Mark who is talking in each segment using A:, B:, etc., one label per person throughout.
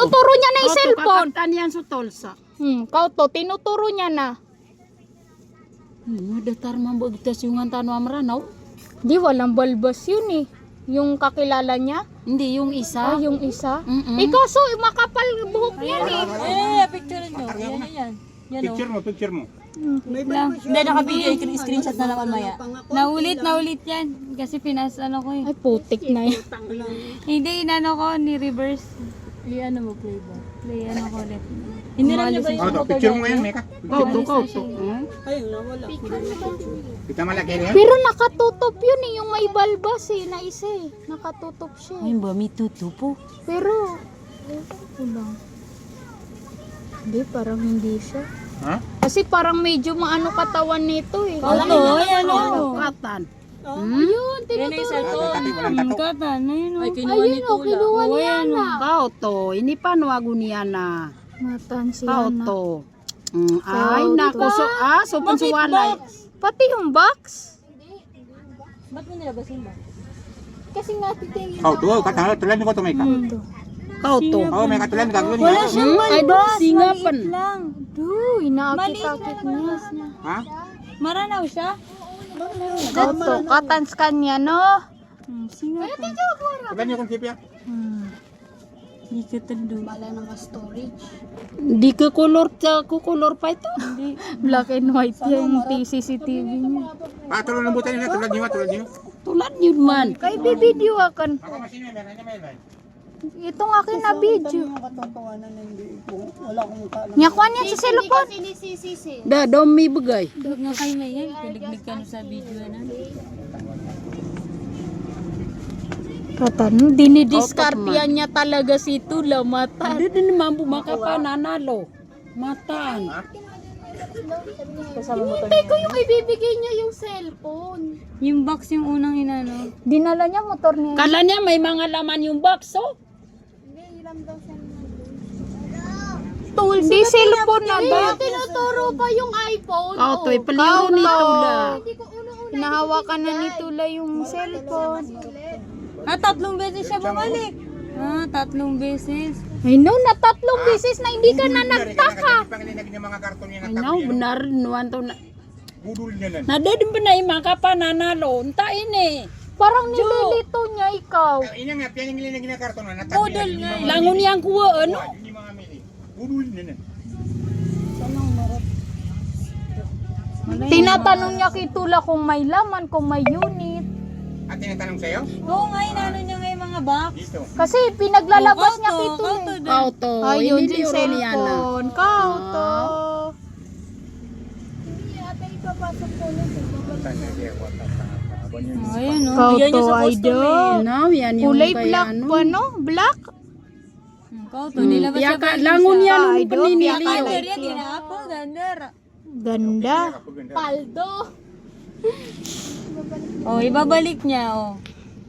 A: tinuturo niya na yung cellphone.
B: Kakatan yan sa tolsa.
A: Kauto, tinuturo niya na.
B: Datar mambagtas yung antano amranaw.
A: Di, walang balbas yun eh. Yung kakilala niya.
B: Hindi, yung isa.
A: Yung isa. Kaso, makapal buhok yan eh.
C: Picture nyo. Yan.
D: Picture mo.
C: Hindi, nakabigay. Screenshot na naman maya. Naulit yan. Kasi ano ko eh.
A: Ay, putik na yan.
C: Hindi, inano ko, ni-reverse. Ano mo, play ba? Play, ano ko ulit. Hindi lang niya ba yung
D: Picture mo yan, Meka.
B: Kauto.
D: Kita malaki yan.
A: Pero nakatutup yun eh, yung may balbas eh, na isa eh. Nakatutup siya.
C: Ayun ba, may tutupo.
A: Pero, ulang. Hindi, parang hindi siya.
D: Ha?
A: Kasi parang medyo maano katawan nito eh.
B: Kakatan.
A: Ayun, tinuturo.
C: Katan, ayun o.
A: Ayun o, kinuha niya na.
B: Kauto, ini panwago niya na.
A: Matan siya na.
B: Kauto. Ay, nako. So pansuwalay.
A: Pati yung box.
C: Ba't mo nilabasin ba?
A: Kasi nga titingin
D: Kau tuh kata tulan ko to Meka.
B: Kauto.
D: Oh, Meka tulan gagawin
C: Wala
D: niya.
C: siyang
B: Ay,
C: balbas.
B: singapan.
C: Maliit lang.
A: Duh, inaakit-akit niya.
D: Ha?
C: Maranaw siya?
A: Kauto, katans kanya no.
C: Singapan.
D: Tulan niyo kung sipya.
C: Hindi ka tando.
B: Di ke kolor pa ito.
A: Black and white yung CCTV niya.
D: Ah, tulon lembutan niyo tulan niyo.
B: Tulad yun man.
A: Kay bibideo akan.
D: Ako masino meron niya.
A: Itong akin na video. Nyakuan niya sa cellphone.
B: Daw may bagay.
C: Huwag nga kayo na yan. Piliglig ka na sa video na.
A: Katan, dinidiskartian niya talaga si Tula mata.
B: Hindi din naman bumaka pa nanalo. Mataan.
A: Hintay ko yung ibibigay niya yung cellphone.
C: Yung box yung unang inano.
A: Dinala niya motor niya.
B: Kala niya may mga laman yung box, oh.
A: Di cellphone na ba? Tinuturo pa yung iPhone.
B: Kauto, ipaliw ni Tula.
A: Hinahawakan na ni Tula yung cellphone.
C: 3 beses siya bumalik. 3 beses.
A: Ay no, na 3 beses na hindi ka na nagtaka.
D: Pangalinag niya mga karton niya
B: Ay
D: na
B: no, benar nuwan to na.
D: budul niya lan.
B: Nadadin pa na yung mga pananalo. Unta ini.
A: Parang nililito niya ikaw.
D: Ina nga pangalinag niya karton na
C: Budol nga.
B: Langon yang kuwa, ano?
D: Hindi mga mili. Budul niya lan.
A: Tinatanong niya kay Tula kung may laman, kung may unit.
D: At tinatanong sa'yo?
C: Oo nga, inano niya nga yung mga box.
D: Dito.
A: Kasi pinaglalabas niya kay Tula.
B: Kauto.
A: Ayun
B: Ini
A: din
B: liuro niya na.
A: cellphone. Kauto.
C: Ayun o.
A: Kauto, idol.
B: No, yan yung
A: Kulay
B: kaya
A: black
B: ano.
A: pa, no? Black?
C: Kauto, nilabas siya
B: Piyaka, langon yan yung
A: Idol,
B: paniniliw.
C: Gandar yan, ginapo, gandar.
A: Ganda. Paldo.
C: Oh, ibabalik niya, oh.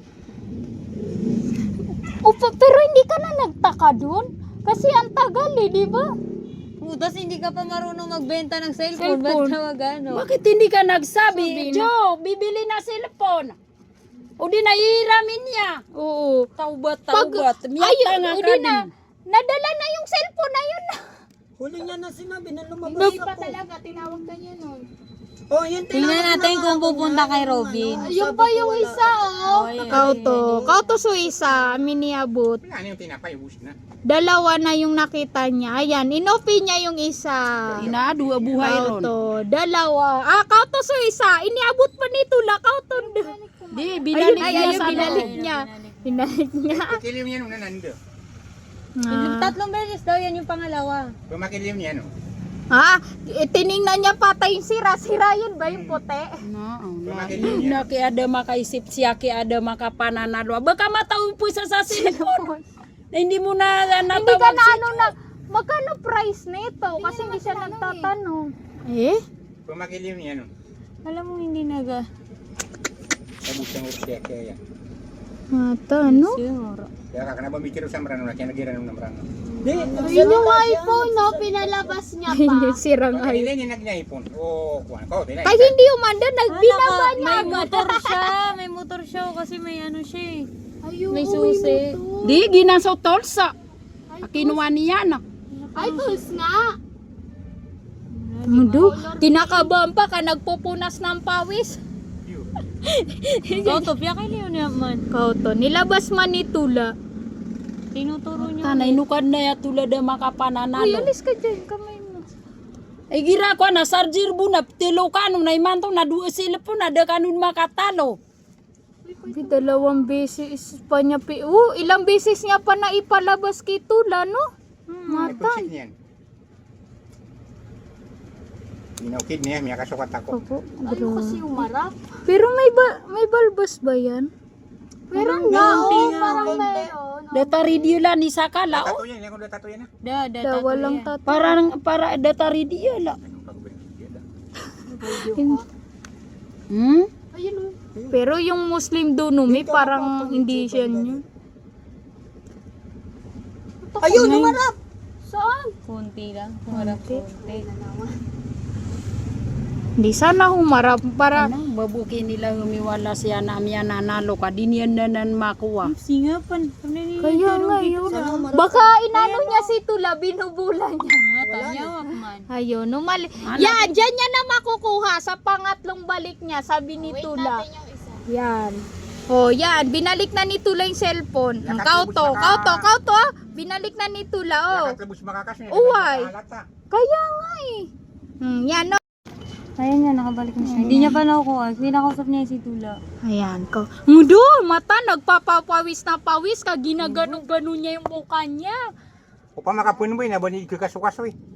A: Opa, pero hindi ka na nagtaka dun? Kasi ang tagal eh, di ba?
C: Tapos hindi ka pa marunong magbenta ng cellphone. Ba't tawag ano?
B: Bakit hindi ka nagsabi? Joe, bibili na cellphone. O di naihiramin niya.
A: Oo.
B: Taubat.
A: Ayun,
B: Miyata nga
A: o
B: ka
A: di
B: din.
A: na. Nadala na yung cellphone na yun.
E: Huli niya na sinabi na lumabas
A: Hindi
E: ako.
A: pa talaga, tinawag ka niya nun.
E: Oh, yun
C: Tingnan natin kung pupunta kay Robin.
A: Yung pa yung isa, oh.
C: Ayun,
A: Kauto. Kauto so isa, miniabot.
D: Wala na yung tinapay, ubus na.
A: Dalawa na yung nakita niya. Ayan, inopi niya yung isa.
B: Ina, dua buhay ron.
A: Kauto. Dalawa. Kauto so isa. Iniabot pa ni Tula. Kauto.
B: Di,
A: Ayun,
B: binalik niya
A: ayun,
B: sa
A: binalik niya. Binalik niya.
D: Makilim niya nung nanando.
A: Ah.
C: 3 beses daw, yan yung pangalawa.
D: Pumakilim niya no.
A: Tiningnan niya patay yung sira-sira yun ba yung puti?
B: Na kaya ada makaisip siya, kaya ada makapananalo. Baka matawin po sa cellphone. Na hindi mo na
A: Hindi ka
B: natawag
A: na ano na, magkano price nito? Kasi hindi siya nagtatanong. Eh?
D: Pumakilim niya no.
C: Alam mo, hindi naga.
D: Ubus ang siya kaya.
A: Mata, no?
C: Siguro.
D: Kaya ka na ba mikiro sa marano na kaya nagiran ng marano.
A: Yun yung iPhone, no? Pinalabas niya pa. Hindi, sirang iPhone.
D: Ilan yung nagnaipon? Oh, kuwan ko.
A: Kahit hindi umanda, nagbinaba niya.
C: May motor siya. May motor siya kasi may ano siya eh.
A: Ayun,
C: May susi.
B: Di, ginang sa tolsa. Kinuha niya na.
A: Ay, tools nga.
C: Mudo, kinakabahan pa ka nagpupunas ng pawis.
E: Ikaw to, piya kayo niya man.
C: Kauto, nilabas man ni Tula.
E: Tinuturo niyo.
B: Tanay nukad na ya tulad ng
C: Uy,
B: makapananalo.
C: alis ka dyan, kamay mo.
B: Ay gira ko na sarjir bu na tilo kanong na imanto na duwa sila po na da kanun makatalo.
C: Di, 2 beses pa niya ilang beses niya pa na ipalabas kay Tula, no?
D: May punsit niyan. Inaukid niya, may kasukat ako.
C: Opo,
A: Ayaw kasi umarap.
C: Pero may balbas ba yan?
A: Meron nga, parang meron.
B: Data radio la ni sakala o.
D: Tato yan, ilang ko na tato yan ha.
C: Da, walang tato.
B: Para data radio la.
D: Anong pag-ubalik yan?
B: Hmm?
A: Ayun o.
C: Pero yung Muslim doon, may parang hindi siya yun.
E: Ayun, umarap!
A: Saan?
E: Kunti lang. Umarap kunti.
C: Hindi sana humarap para
B: Ano, babuki nila humiwala siya na miya nanalo ka din yan na makuha.
E: Singapan.
C: kaya ngayon. Baka inano niya si Tula, binubulan niya.
E: Tanyawak man.
C: Ayun, yan, dyan niya na makukuha sa pangatlong balik niya, sabi ni Tula. Yan. Oh, yan, binalik na ni Tula yung cellphone. Kauto, binalik na ni Tula, oh.
D: Nakatlabos makakas niya.
C: Uway.
D: Halata.
C: Kaya nga eh. Yan, no.
E: Ayun nga, nakabalik na siya. Hindi niya pa nakukuha. Pinakausap niya si Tula.
C: Ayan ko. Mudo, mata, nagpapapawis na pawis ka, ginaganon-ganon niya yung mukha niya.
D: O pa makapunin mo yun, nabani kasukaso eh.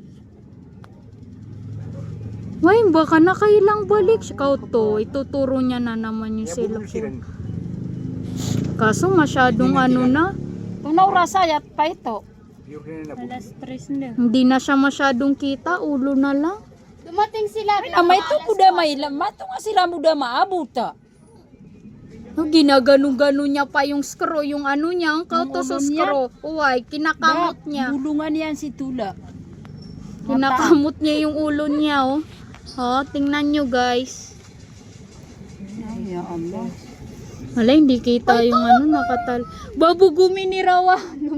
C: Ay, baka nakailang balik siya. Kauto, ituturo niya na naman yung
D: Kaya bubulol
C: cellphone.
D: siya.
C: Kaso masyadong ano na,
B: Tunaw rasayat pa ito.
D: Pure na nabubulol.
E: Alas 3 na.
C: hindi na siya masyadong kita, ulo na lang.
A: Dumating sila.
B: Amay to kuda may mato nga sila muda maabuta.
C: No, ginaganon-ganon niya pa yung screw, yung ano niya, ang kauto sa
B: ulo niya.
C: screw. Uway, kinakamot niya.
B: Bulungan yan si Tula.
C: Kinakamot niya yung ulo niya, oh. Oh, tingnan nyo guys.
B: Ay, ya Allah.
C: Wala, hindi kita yung ano, nakatal. Babugumi ni Rawa.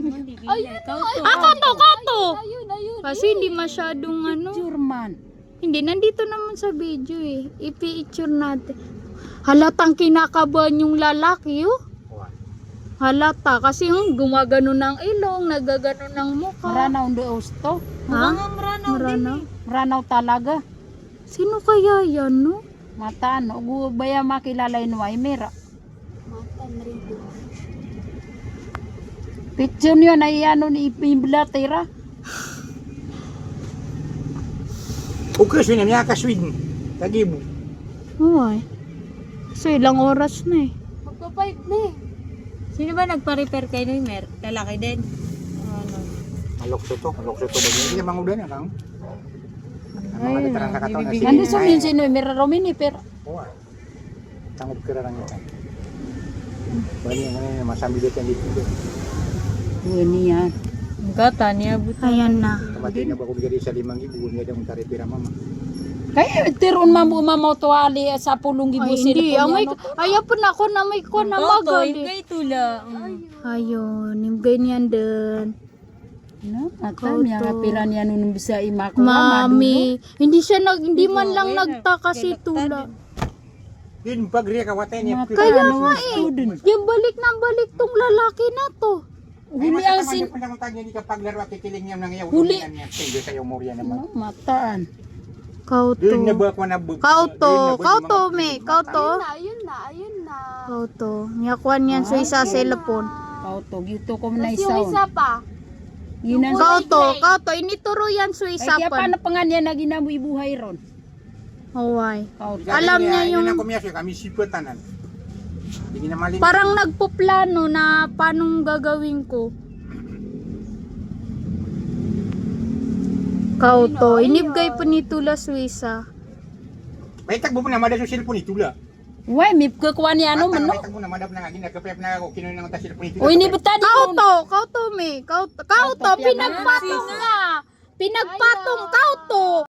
C: Kato!
A: Ayun.
C: Kasi hindi masyadong ano.
B: Jurman.
C: Hindi, nandito naman sa video eh. I-picture natin. Halatang kinakabahan yung lalaki, oh. Halata. Kasi yung gumagano ng ilong, nagagano ng mukha.
B: Maranaw do usto.
C: Ha? Maranaw.
B: Maranaw talaga.
C: Sino kaya yan, no?
B: Mata no, gubaya makilala inway mera. Picture niyo na iano ni Ipimbilatera.
D: Okay, so niya kaswin. Tagibo.
C: Uy. So, ilang oras na eh.
A: Magpa-5 na eh.
E: Sino ba nagpa-repair kay Mer? Lalaki din. Ano?
D: Malokso to ba? Hindi na mangudan na kang. Ang mga veteran sa katawan na
B: Ando sumin sino mera romini pero
D: Uwa. Tanggap kira lang ito. Bali ang ano yung masambi dito dito.
B: yun yan.
E: Gata niya buta.
C: Ayan na.
D: Kamati na ba kung bigay sa 5,000 nga daw mong taripira mama.
B: Kaya tiron mamautuali sa pulong
C: Ay,
B: gibusin
C: hindi. Amay, ayaw po na ako na may ko na magali.
E: Kay Tula.
C: Ayun, yung ganyan din.
B: No,
C: Kauto.
B: ata niya kapiran yan nung bisa imako.
C: Mami, hindi man lang nagtaka si Tula.
D: Din pagriya ka watay niya.
C: Kaya nga eh, yung balik ng balik tong lalaki na to.
B: Huli ang sin...
D: Kung tanya ni kapag laro at kikiling niya nang iyaw.
B: Huli.
D: Sige sa iyo murya naman.
B: No, mataan.
C: Kauto.
D: Doon na ba ako na
C: Kauto, me. Kauto.
A: Ayun na.
C: Kauto. Niyakuan yan sa isa cellphone.
B: Kauto, gito ko na
A: Tapos yung
B: isaon.
A: isa pa.
B: Yun ang...
C: Kauto. Inituro yan sa
B: Ay,
C: isa
B: kaya
C: pa.
B: paano pa nga niya na ginabuhi buhay ron?
C: Huway.
B: Kauto.
C: Alam niya yung-
D: Yun ang kumiyas kami sipatanan. Hindi na malin.
C: Parang nagpoplano na paanong gagawin ko. Kauto. Inibgay po ni Tula Suisa.
D: May tagbo po na madad sa cellphone ito la.
B: Uy, may kukuha niya ano man no?
D: May tagbo na madad na nga ginagkapayap na ako kinuha ng cellphone ito.
B: Uy, ni betadi mo.
C: Kauto, me. Kauto, pinagpatong nga. Pinagpatong, kauto.